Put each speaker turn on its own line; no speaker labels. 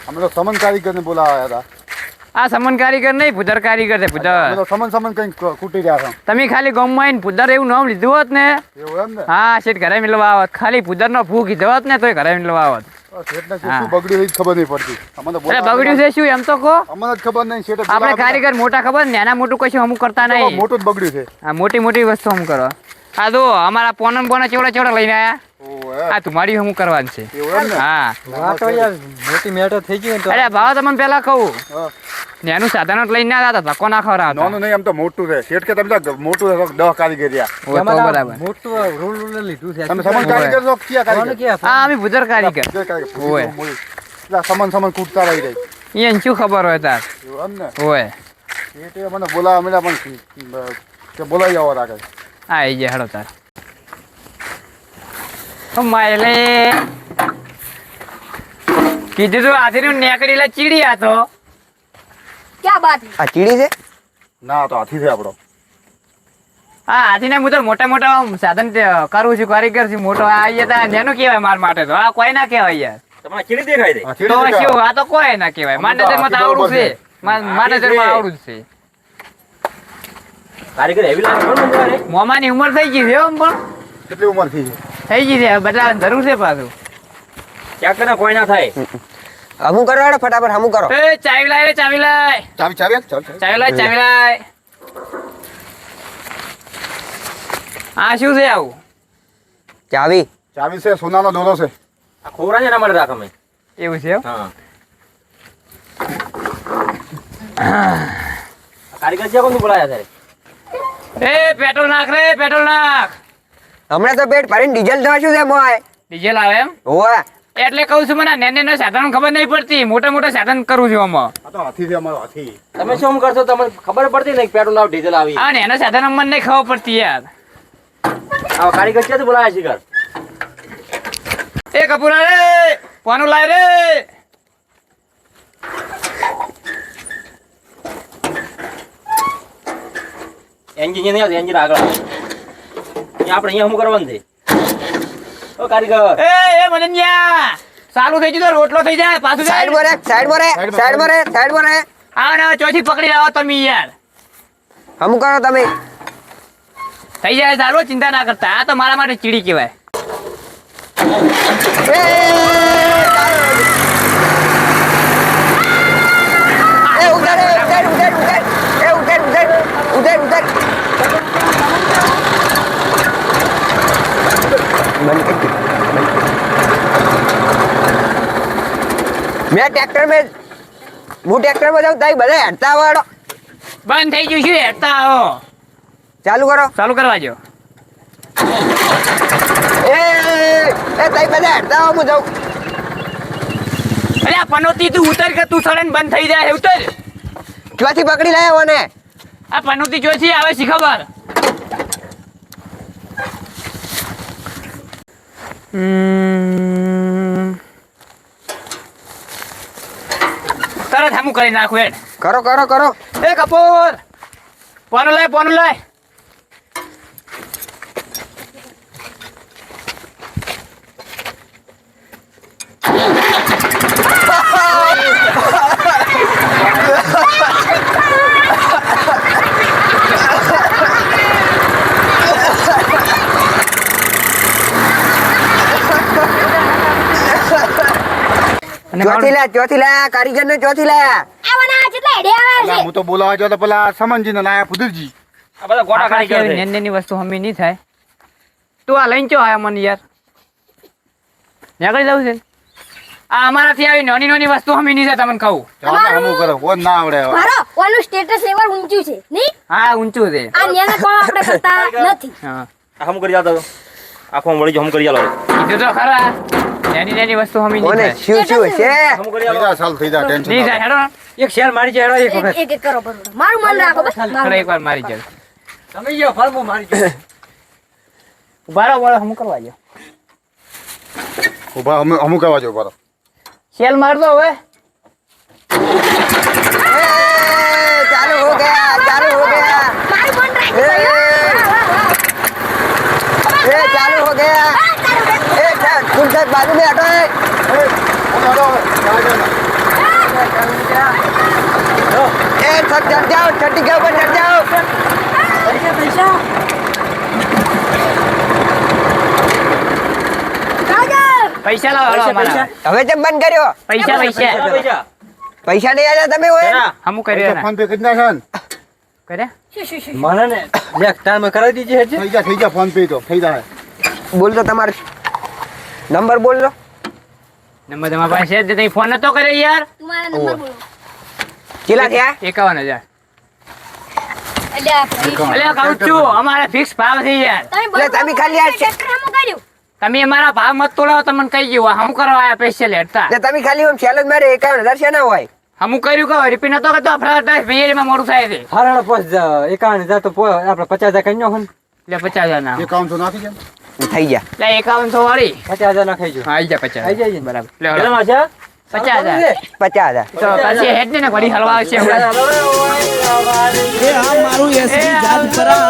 અમે તો સમન કારીગર ને બોલાવ્યા હતા.
આ સમન કારીગર નહીં, પુધર કારીગર છે પુધર.
અમે તો સમન કઈ કૂટી રહ્યા હતા.
તમે ખાલી ગામમાં આવીને પુધર એવું નામ લીધું હોત ને,
એવું એમ ને?
હા શેઠ ઘરે મિલવા આવત. ખાલી પુધર નો ફૂ કીધો હોત ને તોય ઘરે મિલવા આવત.
શેઠને શું બગડ્યું એ જ ખબર નહીં પડતી. અમને તો
બગડ્યું છે શું એમ તો કહો.
અમને જ ખબર નહીં. શેઠે
આપણે કારીગર મોટા ખબર ને, નાના મોટું કશું અમુક કરતા નહીં.
મોટું જ બગડ્યું છે.
હા મોટી મોટી વસ્તુ અમુક કરો. આ તો અમારા પોના ચેવડા લઈને આયા. આ તમારી અમુક કરવાનું છે. હા
મોટી મેટર થઈ ગઈ.
અરે ભાવ તમને પેલા કહું, નાનું સાધન જ લઈને ના ધક્કો ના ખવડાવતા.
નાનું નહીં, આમ તો મોટું છે. શેઠ કે તમે તો મોટું 10 કારીગર રહ્યા.
બરાબર.
મોટું રોલ લીધું છે.
તમે સમન કારીગર છો ક્યાં કારીગર?
હા અમે ભુજર કારીગર.
ઓય સમન કૂટતા રહી રહી.
એને શું ખબર હોય તાર.
એવું એમ ને?
હોય
શેઠે મને બોલાવા મળ્યા પણ કે બોલાવી આવો રાખે.
હા એ જે હેડો તાર. માયલે કીધું તું હાથીનું નેકડીલા ચીડી હતો.
ક્યાં બાત?
આ ચીડી છે?
ના તો હાથી છે આપણો.
હા હાથીને હું તો મોટા મોટા સાધન કરું છું, કારીગર છું મોટો. આ અહીંયા નેનું કહેવાય માર માટે તો. આ કોઈ ના કહેવાય યાર.
તમારે ચીડી દેખાય છે?
તો શું, આ તો કોઈ ના કહેવાય. માર નજરમાં તો આવડું છે. માર નજરમાં આવડું જ છે.
કારીગર એવી લાગે પણ મને
મોમાની ઉંમર થઈ ગઈ છે એમ. પણ
કેટલી ઉંમર થઈ છે?
થઈ ગઈ છે, બદલાવાની જરૂર છે પાછું.
ક્યાં કરે કોઈ ના થાય. હમું કરો હેડો ફટાફટ હમું કરો.
એ ચાવી લાય રે, ચાવી લાય. ચાવી લાય. આ શું છે આવું?
ચાવી
છે, સોનાનો દોરો છે.
આ ખોરા ને ના મળે રાખ અમે.
એવું છે એમ?
હા કારીગર છે કોણ બોલાયા છે?
એ પેટ્રોલ નાખ રે, પેટ્રોલ નાખ.
હમણાં તો પેટ ભરીને ડીઝલ થવા શું છે મોય?
ડીઝલ આવે એમ?
ઓય
એટલે કહું છું, મને નેનો સાધન ખબર નહીં પડતી. મોટા મોટા સાધન કરું છું આમાં.
આ તો હાથી છે અમારો, હાથી.
તમે શું કરશો? તમને ખબર પડતી નહીં પેટ્રોલ આવ ડીઝલ આવી?
હા નેનો સાધન અમને નહીં ખબર પડતી યાર.
આ કારીગર ક્યાંથી બોલાયા છે ઘર?
એ કપૂરા રે, પાનું લાય રે.
એન્જિન નહીં આવતું, એન્જિન આગળ આવે. અહીંયા આપણે અહીંયા શું કરવાનું છે? ઓ કારીગર
એ મનન્યા ચાલુ થઈ ગયું તો રોટલો થઈ જાય. પાછું
સાઈડ બોરે.
હા ના ચોથી પકડી આવો તમે યાર.
હમું કરો તમે.
થઈ જાય ચાલો, ચિંતા ના કરતા. આ તો મારા માટે ચીડી કહેવાય.
मैं ट्रैक्टर में जाऊँ ताई બધા હેડતા વાળો
બંધ થઈ ગયું છે, હેડતા આવો.
ચાલુ
કરવા જો.
એ તાઈ બધા હેડતા આવો હું જાઉં.
અરે આ પનોતી તું ઉતર કે તું સડન બંધ થઈ જાય. ઉતર.
ક્યાંથી પકડી લાયા મને?
આ પનોતી જોઈથી આવે છે ખબર. તરત હમું કરી નાખું હેડ.
કરો.
એ કપૂર પોનું લાય.
ચોથી લાયા કારીગર ને ચોથી લાયા.
આવના કેટલા હેડે આવે છે?
હું તો બોલાવા જો તો પેલા સમનજી ને લાયા પુદરજી.
આ બધા ગોટા કારીગર છે.
નેની વસ્તુ હમી નહીં થાય. તું આ લઈને ચો આયા મને યાર. નીકળી જવું છે. આ અમારાથી આવી નાની વસ્તુ હમી નહીં થાય તમને કહું.
હમું કરો, કોણ ના આવડે.
મારો ઓનું સ્ટેટસ લેવલ ઊંચું છે નહીં?
હા ઊંચું છે.
આ ન્યાને કોણ આપણે કરતા નથી.
હા
હમ કરી જાતો આખો મળી જો હમ કરી આલો.
કીધું તો ખરા. નાની વસ્તુ હમી નહીં થાય.
શું છે હમ કરી આલો.
સાલ થઈ જાય, ટેન્શન
નહીં થાય. હેડો
એક શેર મારી જાય હેડો એક વખત.
એક કરો બરોબર. મારું મન રાખો બસ.
ખરા એકવાર મારી જાય.
તમે ગયો ફરમો મારી જાય.
બરાબર હમું કરવા જો.
ઉભા અમુક આવવા જો બરો.
સેલ માર દો હવે.
ચાલુ હો ગયા.
મારું મન રાખો.
चालू हो गया। तुम सब बाजू में हटो।
એ ચડ જાઓ ચડી ગયા ઉપર ચડ જાઓ
પૈસા લાવો હાલો અમારા.
હવે તે બંધ કર્યો
પૈસા પૈસા
પૈસા
પૈસા નહીં આલ્યા તમે હોય
ના
હમું કર્યો ને
ફોન પે કરી નાખે ને.
કર્યા
મને ને લે ટાઈમ કરાવી દીધી હેડજે
થઈ જા ફોન પે તો થઈ જાય.
બોલ તો તમારો નંબર બોલ લો
નંબર તમારા પાસે છે જ નહીં. ફોન નતો કર્યો યાર.
તમારા નંબર બોલો
કેટલા થયા
51,000.
અલ્યા ભાઈ.
અલ્યા કહું છું અમારે ફિક્સ ભાવ છે યાર.
એટલે તમે ખાલી આ
ટ્રેક્ટર હમું કર્યું
તમે અમારા ભાવ મત તોડાવો તમને કહી ગયું હમું કરવા આયા સ્પેશિયલ હેડતા
એટલે તમે ખાલી આમ ચેલેન્જ મારે 51,000 છે ના હોય
હમું કર્યું કહો રિપીટ નતો કરતો ફ્લાટ ભૈયામાં મોડું થાય છે
હારાડો પોસ 51,000 તો આપણે 50,000 કરી નાખો ને
એટલે 50,000 ના
એકાઉન્ટ તો નાખી જાય.
થઈ ગયા
એટલે 5100 વાળી
50,000 ના ખાઈ જો
હા, આઈ જા 50,000.
આઈ જાય ને.
બરાબર લે
કેટલા
હળો.
માં છે
50,000
50,000
તો પછી હેડ ને ઘડી હલવા આવશે હમણાં.
એ આ મારું એસટી જાત પરા